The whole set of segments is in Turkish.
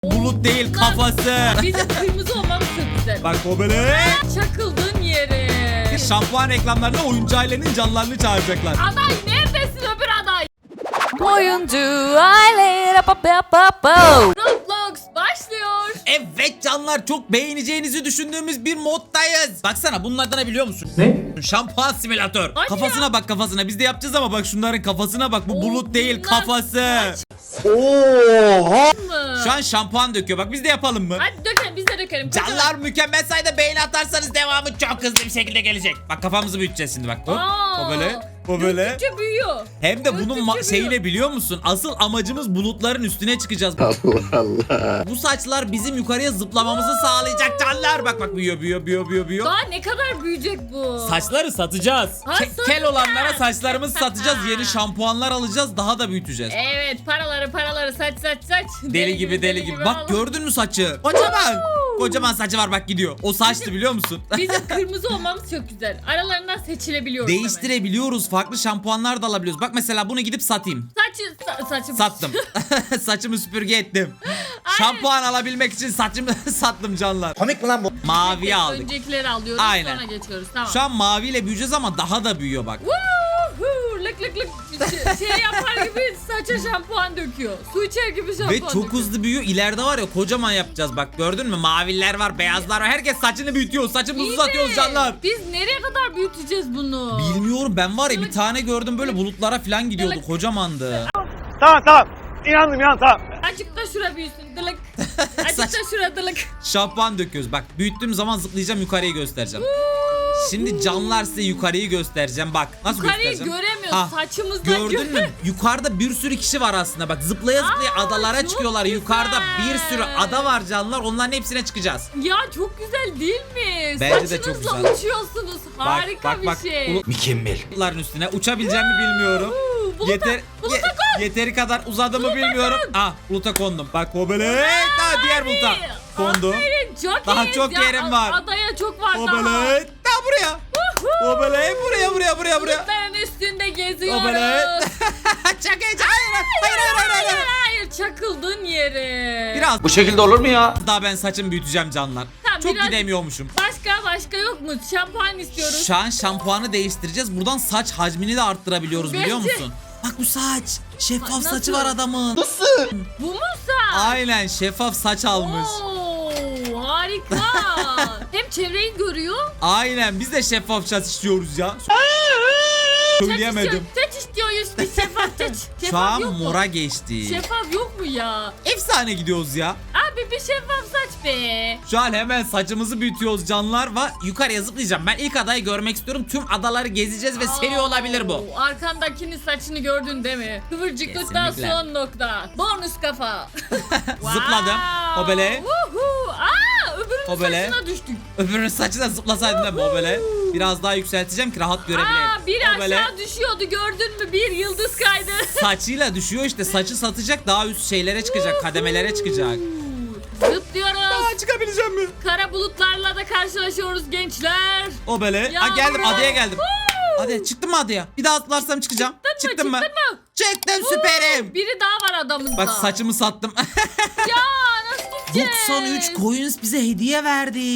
Bulut değil kafası. Bizim kırmızı olmamız çok güzel. Bak o böyle. Çakıldığın yere. Şampuan reklamlarında oyuncu ailenin canlarını çağıracaklar. Aday neredesin öbür aday? Oyuncu aile. Roblox başlıyor. Evet canlar, çok beğeneceğinizi düşündüğümüz bir moddayız. Baksana bunlardan ne biliyor musun? Ne? Şampuan simülatör. Hadi Kafasına ya. bak kafasına. Biz de yapacağız ama bak şunların kafasına bak. Bu Oo, bulut değil bunlar kafası. Mı? Şu an şampuan döküyor. Bak biz de yapalım mı? Hadi dökelim, biz de dökelim. Canlar, mükemmel sayıda beğeni atarsanız devamı çok hızlı bir şekilde gelecek. Bak kafamızı büyüteceğiz şimdi bak. Hop. Aa, O böyle. O böyle. Döktükçe büyüyor. Hem de bunun Döktükçe şeyle büyüyor. biliyor musun? Asıl amacımız bulutların üstüne çıkacağız. Allah Allah. Bu saçlar bizim yukarıya zıplamamızı sağlayacak canlar. Bak bak büyüyor. Daha ne kadar büyüyecek bu? Saçları satacağız. Ha, Kel satacağız. olanlara saçlarımızı satacağız. Yeni şampuanlar alacağız. Daha da büyüteceğiz. Evet, paraları saç. Deli gibi. Bak gördün mü saçı? Kocaman. Kocaman saçı var bak gidiyor. O saçtı biliyor musun? Bizim kırmızı olmamız çok güzel. Aralarından seçilebiliyoruz. hemen. Değiştirebiliyoruz. Farklı şampuanlar da alabiliyoruz. Bak mesela bunu gidip satayım. Saçım. Sattım. Saçımı süpürge ettim. Şampuan alabilmek için saçımı sattım canlar. Komik mi lan bu? Maviye aldık. Öncekileri alıyoruz, Aynen. sonra geçiyoruz. Tamam. Şu an maviyle büyüyeceğiz ama daha da büyüyor bak. Woohoo! Lık şey yapar gibi saça şampuan döküyor. Su içer gibi şampuan Ve çok döküyor. hızlı büyüyor. İleride var ya kocaman yapacağız bak. Gördün mü? Maviler var, beyazlar var. Herkes saçını büyütüyor. Saçımızı İyi uzatıyoruz de canlar. Biz nereye kadar büyüteceğiz bunu? Bilmiyorum, ben var ya bir tane gördüm böyle bulutlara falan gidiyordu. Dılık. Kocamandı. Tamam. İnandım tamam. Azıcık da şura büyüsün dılık. Azıcık da şura dılık. Şampuan döküyoruz. Bak büyüttüğüm zaman zıplayacağım, yukarıyı göstereceğim. Şimdi canlar size yukarıyı göstereceğim. Bak nasıl Yukarıyı göstereceğim. göremiyoruz, Ha, saçımızdan gördün mü? Yukarıda bir sürü kişi var aslında. Bak zıplaya adalara çok çıkıyorlar. güzel. Yukarıda bir sürü ada var canlar. Onların hepsine çıkacağız. Ya çok güzel değil mi? Bence de çok Saçınızla güzel. uçuyorsunuz. Harika bir şey. Mükemmel. Bulutların üstüne uçabileceğimi bilmiyorum. Yeteri kadar uzadığımı bilmiyorum. Ah, buluta kondum. Bak o böyle. Daha diğer buluta kondu. Aferin, çok Daha iyiyiz çok ya. yerim var. Adaya çok var O daha. böyle. Daha buraya. O böyle. Buraya. Bulutların üstünde geziyoruz. O böyle. Çok heyecan. Hayır, çakıldın yere. Biraz Bu şekilde olur mu ya? daha ben saçımı büyüteceğim canlar. Tamam, Çok biraz- gidemiyormuşum. Başka yok mu? Şampuan istiyoruz. Şu an şampuanı değiştireceğiz. Buradan saç hacmini de arttırabiliyoruz biliyor Bence- musun? Bak bu saç. Şeffaf Nasıl? saçı var adamın. Bu mu sen? Aynen, şeffaf saç almış. Oo, harika. Hem çevreyi görüyor. Aynen, biz de şeffaf saç istiyoruz ya. Söyleyemedim. Saç istiyoruz biz, şeffaf saç. Şu Şeffaf an yok mu? mora geçti. Şeffaf yok mu ya? Efsane gidiyoruz ya. Abi bir şeffaf saç be. Şu an hemen saçımızı büyütüyoruz canlar ve yukarıya zıplayacağım. Ben ilk adayı görmek istiyorum. Tüm adaları gezeceğiz ve seri olabilir bu. Oo, arkandakinin saçını gördün değil mi? Kıvırcıklıktan Kesinlikle. son nokta. Bonus kafa. Zıpladım. O böyle. Woohoo. Öbürünün O böyle. saçına düştük. Öbürünün saçına zıplasaydım da o böyle. Biraz daha yükselteceğim ki rahat görebileyim. Bir O böyle. aşağı düşüyordu, gördün mü? Bir yıldız kaydı. Saçıyla düşüyor işte. Saçı satacak, daha üst şeylere çıkacak. Kademelere çıkacak. Zıplıyoruz. Çıkabileceğim mi? Kara bulutlarla da karşılaşıyoruz gençler. O böyle. Ya Geldim, bro. adaya geldim. Hadi çıktım mı adaya? Bir daha atlarsam çıkacağım. Çıktım mı? Çıktım, süperim. Biri daha var adamızda. Bak saçımı sattım. Ya nasıl gideceğiz? 93 coins bize hediye verdi.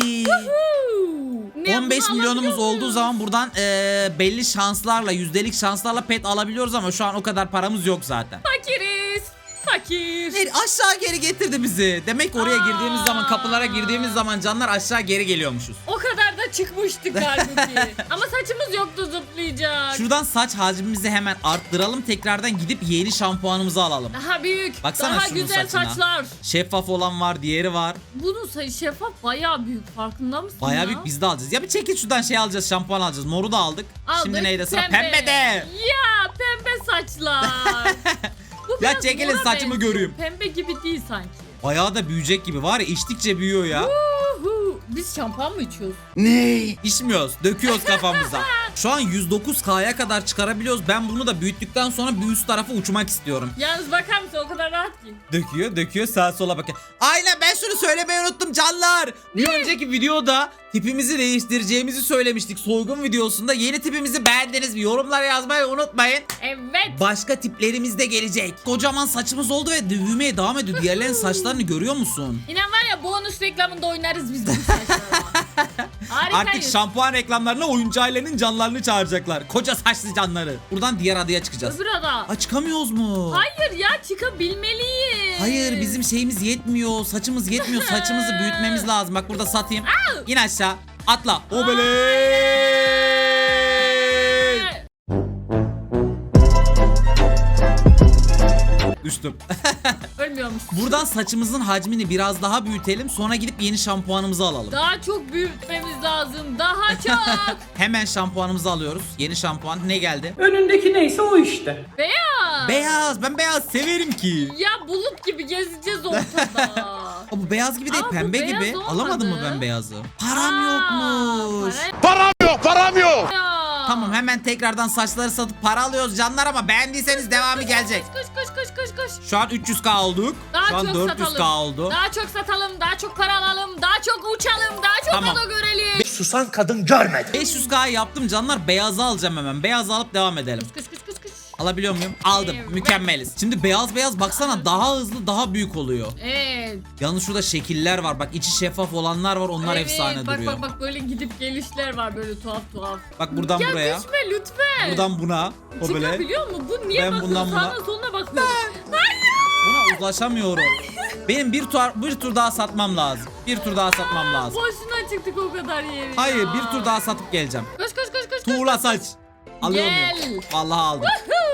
Ne, 15 bunu milyonumuz alabiliyor olduğu muyuz? zaman buradan belli şanslarla, yüzdelik şanslarla pet alabiliyoruz ama şu an o kadar paramız yok zaten. Fakiriz. Fakir. Aşağı geri getirdi bizi. Demek ki oraya girdiğimiz zaman, kapılara girdiğimiz zaman canlar aşağı geri geliyormuşuz. O kadar da çıkmıştık halbuki. Ama saçımız yoktu zıplayacak. Şuradan saç hacmimizi hemen arttıralım. Tekrardan gidip yeni şampuanımızı alalım. Daha büyük. Baksana daha şunun güzel saçına. saçlar. Şeffaf olan var, diğeri var. Bunun şeffaf bayağı büyük. Farkında mısın Bayağı ya? büyük, biz de alacağız. Ya bir çekil şuradan, şey alacağız, şampuan alacağız. Moru da aldık. Şimdi neydi sıra? Pembe de. Ya pembe saçlar. Bu Ya biraz çekilin, mora saçımı benziyor. göreyim. Pembe gibi değil sanki. Bayağı da büyüyecek gibi var ya, içtikçe büyüyor ya. Biz şampuan mı içiyoruz? Ne? İçmiyoruz, döküyoruz kafamıza. Şu an 109K'ya kadar çıkarabiliyoruz. Ben bunu da büyüttükten sonra bir üst tarafa uçmak istiyorum. Yalnız bakar mısın, o kadar rahat ki. Döküyor sağa sola bakıyor. Aynen, ben şunu söylemeyi unuttum canlar. Bir önceki videoda tipimizi değiştireceğimizi söylemiştik. Soygun videosunda yeni tipimizi beğendiniz mi? Yorumlara yazmayı unutmayın. Evet. Başka tiplerimiz de gelecek. Kocaman saçımız oldu ve büyümeye devam ediyor. Diğerlerinin saçlarını görüyor musun? İnan var ya bonus reklamında oynarız biz bu saçlarla. Harikayız. Artık şampuan reklamlarına oyuncu ailenin canlarını çağıracaklar. Koca saçlı canları. Buradan diğer adaya çıkacağız. Öbür ada. Aa, çıkamıyoruz mu? Hayır ya çıkabilmeliyiz. Hayır, bizim şeyimiz yetmiyor. Saçımız yetmiyor. Saçımızı büyütmemiz lazım. Bak burada satayım. İn aşağı. Atla. Obeley. Düştüm. Ölmüyor musun? Buradan saçımızın hacmini biraz daha büyütelim. Sonra gidip yeni şampuanımızı alalım. Daha çok büyütmemiz lazım. Daha çok. Hemen şampuanımızı alıyoruz. Yeni şampuan ne geldi? Önündeki neyse o işte. Beyaz. Beyaz. Ben beyaz severim ki. Ya bulut gibi gezeceğiz ortada. Aa, bu beyaz gibi değil, Aa, bu pembe beyaz gibi. olmadı. Alamadım mı ben beyazı? Param yokmuş. Para Param yok. ya. Tamam, hemen tekrardan saçları satıp para alıyoruz canlar, ama beğendiyseniz devamı gelecek. Koş. Şu an 300k olduk. Daha Şu an çok 400k satalım. oldu. Daha çok satalım, daha çok para alalım, daha çok uçalım, daha çok Tamam. ada görelim. Susan kadın görmedi. 500k yaptım canlar. Beyazı alacağım hemen. Beyazı alıp devam edelim. Kış. Alabiliyor muyum? Aldım. Evet. Mükemmeliz. Şimdi beyaz baksana, daha hızlı, daha büyük oluyor. Evet. Yalnız şurada şekiller var. Bak, içi şeffaf olanlar var. Onlar Evet, efsane bak, duruyor. Bak böyle gidip gelişler var böyle tuhaf. Bak buradan Ya buraya. düşme lütfen. Buradan buna. O böyle. Çıkabiliyor mu? Bu niye Ben bakıyor? bundan buna. Sağına soluna bakıyor. Buna ulaşamıyorum. Benim bir tur daha satmam lazım. Bir tur daha satmam lazım. Boşuna çıktık o kadar yeri. Hayır, ya. bir tur daha satıp geleceğim. Koş. Tuğla saç. Alıyor Gel. muyum? Vallahi aldım.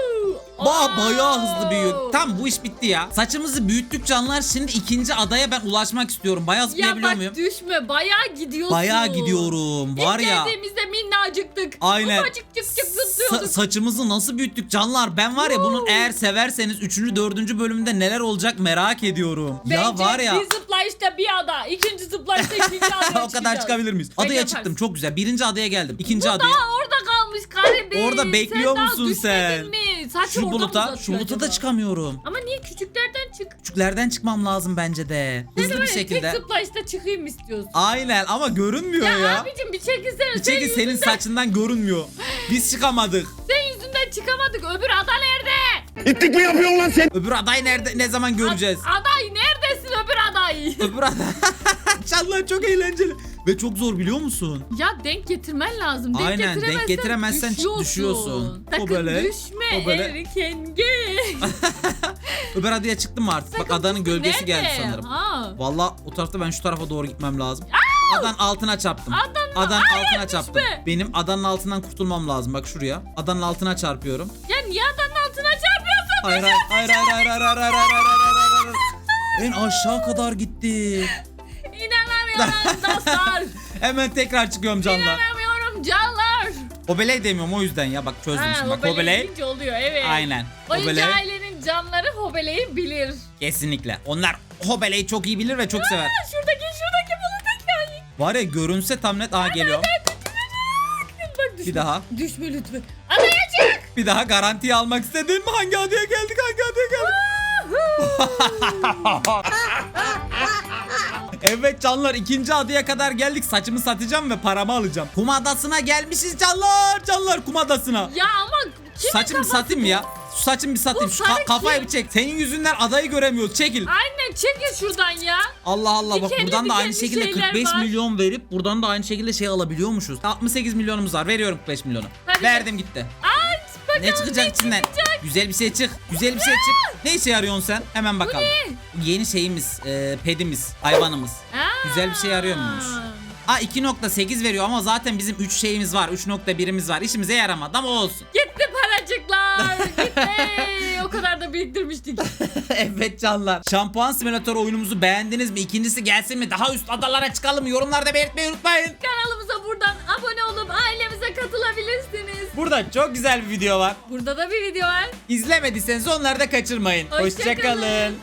Aa. Bayağı hızlı büyüyor. Tam bu iş bitti ya. Saçımızı büyüttük canlar. Şimdi ikinci adaya ben ulaşmak istiyorum. Bayağı Ya zıplayabiliyor bak muyum? düşme, bayağı gidiyorsun. Bayağı gidiyorum. Var İlk ya. geldiğimizde minnacıktık. Aynen. Ufacık çık zıplıyorduk. Saçımızı nasıl büyüttük canlar? Ben var ya, bunun eğer severseniz 3. 4. bölümünde neler olacak merak ediyorum. Ya Bence var ya. bir zıplayışta bir ada, ikinci zıplayışta ikinci adaya O kadar çıkabilir miyiz? Bence Adaya yaparsın. çıktım, çok güzel. Birinci adaya geldim. İkinci adaya. Daha orada kalmış garibim. Orada bekliyor sen musun daha sen? düşmedin mi? Saçı Şu oradan buluta uzatıyor da acaba? çıkamıyorum. Ama niye küçüklerden çık? Küçüklerden çıkmam lazım bence de. Sen de Hızlı bir böyle şekilde. tek zıplayışta çıkayım istiyorsun. Aynen, ama görünmüyor Ya, ya. abicim bir çekilsene. Bir çekin, senin saçından görünmüyor. Biz çıkamadık. Sen yüzünden çıkamadık. Öbür ada nerede? İttik mi yapıyorsun lan sen? Öbür aday nerede, ne zaman göreceğiz? Aday neredesin öbür aday? Öbür aday. Canlar çok eğlenceli. Ve çok zor, biliyor musun? Ya denk getirmen lazım. Denk Aynen, denk getiremezsen düşüyorsun. Sakın O böyle, düşme o böyle. erken gel. Öbür adaya çıktım mı artık? Bak, Sakın adanın düşme. gölgesi geldi Nerede? sanırım. Ha. Vallahi o tarafta, ben şu tarafa doğru gitmem lazım. Adanın altına çarptım. Adanın altına çarptım. düşme. Benim adanın altından kurtulmam lazım. Bak şuraya. Adanın altına çarpıyorum. Ya niye adanın altına çarpıyorsun? Hayır. En aşağı kadar gitti. İnanamıyorum dostlar. Hemen tekrar çıkıyorum canlar. İnanamıyorum canlar. Hobeley demiyorum o yüzden ya, bak çözdüm şimdi. Bak hobeley. deyince oluyor evet. Aynen. Oyuncu Hobeley. ailenin canları hobeleyi bilir. Kesinlikle. Onlar hobeleyi çok iyi bilir ve çok sever. Şuradaki bulut hikaye. Var ya, görünse tam net. Aha, geliyor. Bak düşme. Bir daha. Düşme lütfen. Adaya çık. Bir daha garantiye almak istedin mi? Hangi adaya geldik? Evet canlar, ikinci adaya kadar geldik. Saçımı satacağım ve paramı alacağım. Kum adasına gelmişiz canlar. Kum adasına. Ya ama kimin Saçımı kafası satayım bu? ya. Şu saçımı bir satayım. Bu Şu sarı kafayı kim? bir çek. Senin yüzünden adayı göremiyoruz. Çekil. Aynen çekil şuradan ya. Allah Allah, bak Dikenli buradan da aynı dikenli şekilde şeyler 45 var. milyon verip buradan da aynı şekilde şey alabiliyormuşuz. 68 milyonumuz var. Veriyorum 45 milyonu. Hadi Verdim gitti. Aç bakalım Ne çıkacak içinden? Güzel bir şey çık. Ne işe yarıyorsun sen? Hemen bakalım. Yeni şeyimiz, pedimiz, hayvanımız. Güzel bir şey arıyor muymuş? 2.8 veriyor ama zaten bizim 3 şeyimiz var. 3.1'imiz var. İşimize yaramadı ama olsun. Gitti paracıklar. Gitti. O kadar da biriktirmiştik. Evet canlar. Şampuan simülatör oyunumuzu beğendiniz mi? İkincisi gelsin mi? Daha üst adalara çıkalım mı? Yorumlarda belirtmeyi unutmayın. Kanalımıza buradan abone olup ailemize katılabilirsiniz. Burada çok güzel bir video var. Burada da bir video var. İzlemediyseniz onları da kaçırmayın. Hoşça kalın. Hoşça kalın.